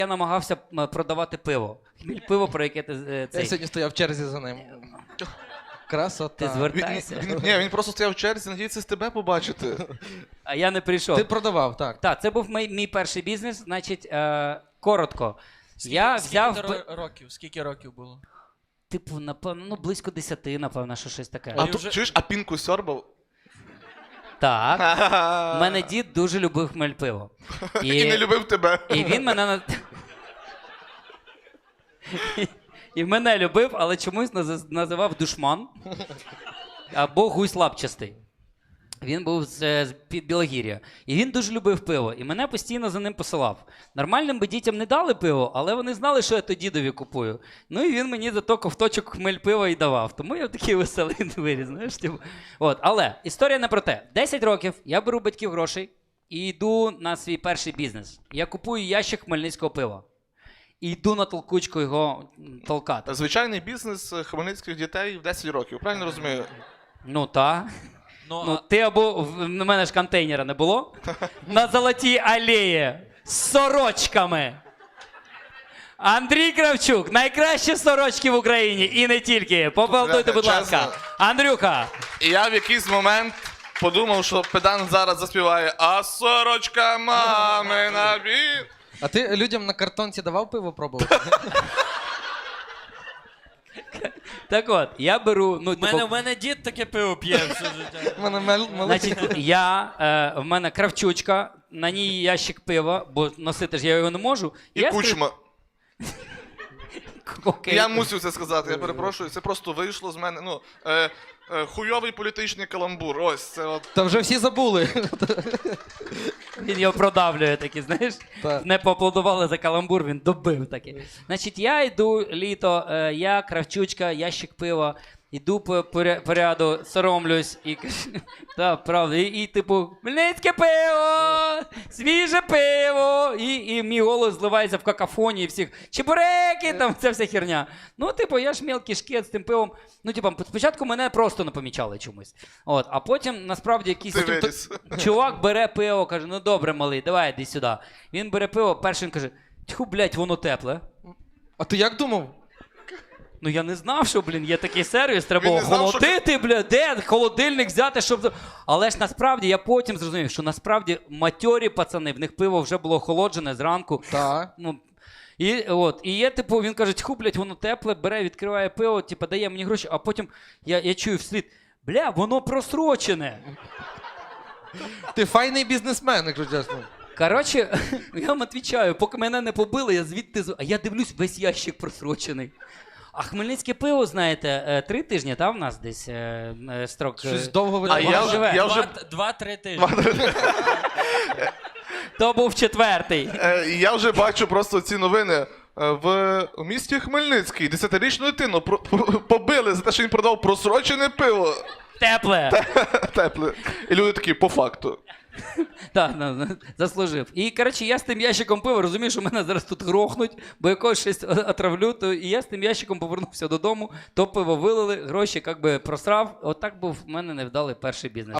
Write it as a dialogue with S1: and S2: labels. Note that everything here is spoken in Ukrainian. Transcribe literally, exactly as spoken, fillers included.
S1: Я намагався м, продавати пиво. Хміль пиво, про яке ти е,
S2: Я
S1: цей.
S2: сьогодні стояв в черзі за ним. Красота.
S1: Ти звертайся.
S3: Він, він, ні, він просто стояв в черзі, надіється з тебе побачити.
S1: А я не прийшов.
S2: Ти продавав, так.
S1: Так, це був мій, мій перший бізнес. Значить, е, коротко. Я взяв.
S4: Скільки
S1: пи-
S4: ро- років? Скільки років було?
S1: Типу, напевно, ну близько десяти, напевно, що щось таке.
S3: А
S4: ти
S3: то,
S4: вже-
S3: чуєш, а пінку сьорбав?
S1: Так. У мене дід дуже любив хмель пиво.
S3: І не любив тебе.
S1: І він мене на- І мене любив, але чомусь наз- називав душман або гусь лапчастий. Він був з, з під Білогір'я. І він дуже любив пиво. І мене постійно за ним посилав. Нормальним би дітям не дали пиво, але вони знали, що я то дідові купую. Ну і він мені зато ковточок хмель пива і давав. Тому я такий веселий виріс, знаєш. Типу. От. Але історія не про те. десять років я беру батьків грошей і йду на свій перший бізнес. Я купую ящик хмельницького пива. І йду на толкучку його м, толкати.
S3: Звичайний бізнес хмельницьких дітей в десять років, правильно розумію?
S1: Ну та.
S4: Ну,
S1: Ну,
S4: а-
S1: ти або в в мене ж контейнера не було. На Золотій алеї з сорочками. Андрій Кравчук, найкращі сорочки в Україні і не тільки. Поаплодуйте, будь
S3: Чесно.
S1: ласка. Андрюха.
S3: І я в якийсь момент подумав, що педант зараз заспіває «А сорочка мамина бі...»
S2: А ти людям на картонці давав пиво пробувати?
S1: Так от, я беру. Ну,
S4: в мене,
S1: типу,
S4: в мене дід таке пиво п'є все життя.
S2: У мене мел- маленький.
S1: значить, я, е, в мене кравчучка, на ній ящик пива, бо носити ж я його не можу.
S3: І
S1: я
S3: кучма.
S1: скрив- Окей.
S3: Я мусив це сказати, я перепрошую, це просто вийшло з мене. Ну, е, е, хуйовий політичний каламбур. Ось це от.
S2: Та вже всі забули.
S1: Він його продавлює такий, знаєш.
S2: Так.
S1: Не поаплодували за каламбур, він добив такий. Значить, я йду літо, е, я, кравчучка, ящик пива, йду по, по, ря- по ряду, соромлюсь і кажу, так, правда, і, і типу, хмельницьке пиво, свіже пиво, і, і мій голос зливається в какафонії всіх, чебуреки, там ця вся херня. Ну, типу, я ж мілкий шкет з тим пивом. Ну, типу, спочатку мене просто не помічали чомусь. От, а потім, насправді, якийсь
S3: Ти
S1: потім то-
S3: виріс.
S1: чувак бере пиво, каже, ну добре, малий, давай, йди сюди. Він бере пиво, перший він каже, тьху, блядь, воно тепле.
S2: А ти як думав?
S1: Ну я не знав, що, блін, є такий сервіс, треба
S3: Він
S1: було
S3: не знав, що-
S1: холодити, блядь, де холодильник взяти, щоб... Але ж насправді, я потім зрозумів, що насправді матьорі пацани, в них пиво вже було охолоджене зранку.
S2: Так.
S1: Ну, і, от, і є, типу, він каже, тьху, блядь, воно тепле, бере, відкриває пиво, типу, дає мені гроші, а потім я, я чую вслід, бля, воно просрочене.
S2: Ти файний бізнесмен, якщо чесно.
S1: Коротше, я вам відповідаю, поки мене не побили, я звідти... з- А я дивлюсь, весь ящик просрочений. А хмельницьке пиво, знаєте, е, три тижні, та, в нас десь е, е, строк. е,
S2: Щось довго ви
S3: А
S2: там
S3: я
S2: бачили?
S3: вже-
S1: живе.
S3: я вже-
S4: Два- Два-три тижні.
S1: То був четвертий.
S3: Е, і я вже бачу просто ці новини. Е, В у місті Хмельницький десятирічну дитину про- про- побили за те, що він продав просрочене пиво.
S1: Тепле.
S3: Тепле. І люди такі, по факту.
S1: Так, ну, заслужив. І, коротше, я з тим ящиком пива, розумію, що мене зараз тут грохнуть, бо якогось щось отравлю, то і я з тим ящиком повернувся додому, то пиво вилили, гроші як би просрав. Отак був в мене невдалий перший бізнес.